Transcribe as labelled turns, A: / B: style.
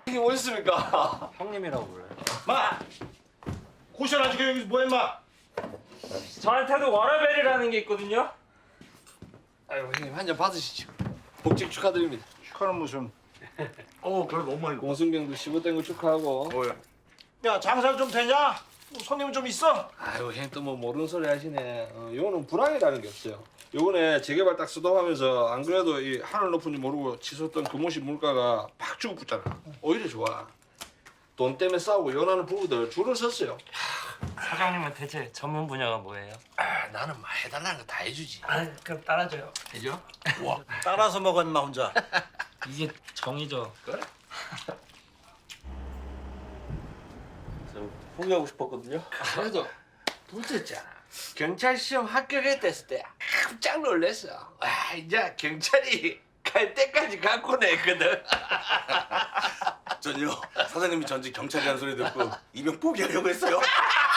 A: 이게 뭐였습니까?
B: 형님이라고 불러요.
C: 마! 고시원 아직 여기서 뭐해 마?
B: 저한테도 워라벨이라는 게 있거든요.
A: 아유 형님 한 잔 받으시죠. 복직 축하드립니다.
C: 축하는 무슨?
D: 그래 너무 많이.
A: 공순경도 15된 거 축하하고.
C: 야 장사 좀 되냐? 뭐 손님 좀 있어?
A: 아유 형님 또 뭐 모르는 소리 하시네. 요거는 불황이라는 게 없어요. 요번에 재개발 딱 수도하면서 안 그래도 이 하늘 높은 줄 모르고 치솟던 금호시 물가가 팍 주고 붙잖아. 오히려 좋아. 돈 때문에 싸우고 연하는 부부들 줄을 섰어요.
B: 사장님은 대체 전문 분야가 뭐예요?
A: 나는 막 해달라는 거 다 해주지.
B: 그럼 따라줘요.
A: 해줘?
C: 따라서 먹어 인마 혼자.
B: 이게 정이죠.
A: 그래?
B: 포기하고 싶었거든요.
A: 그래도 붙었잖아. 경찰 시험 합격했댔을 때 깜짝 놀랐어. 와 이제 경찰이 갈 때까지 갖고 내거든.
D: 전요 사장님이 전직 경찰이라는 소리 듣고 입영 포기하려고 했어요.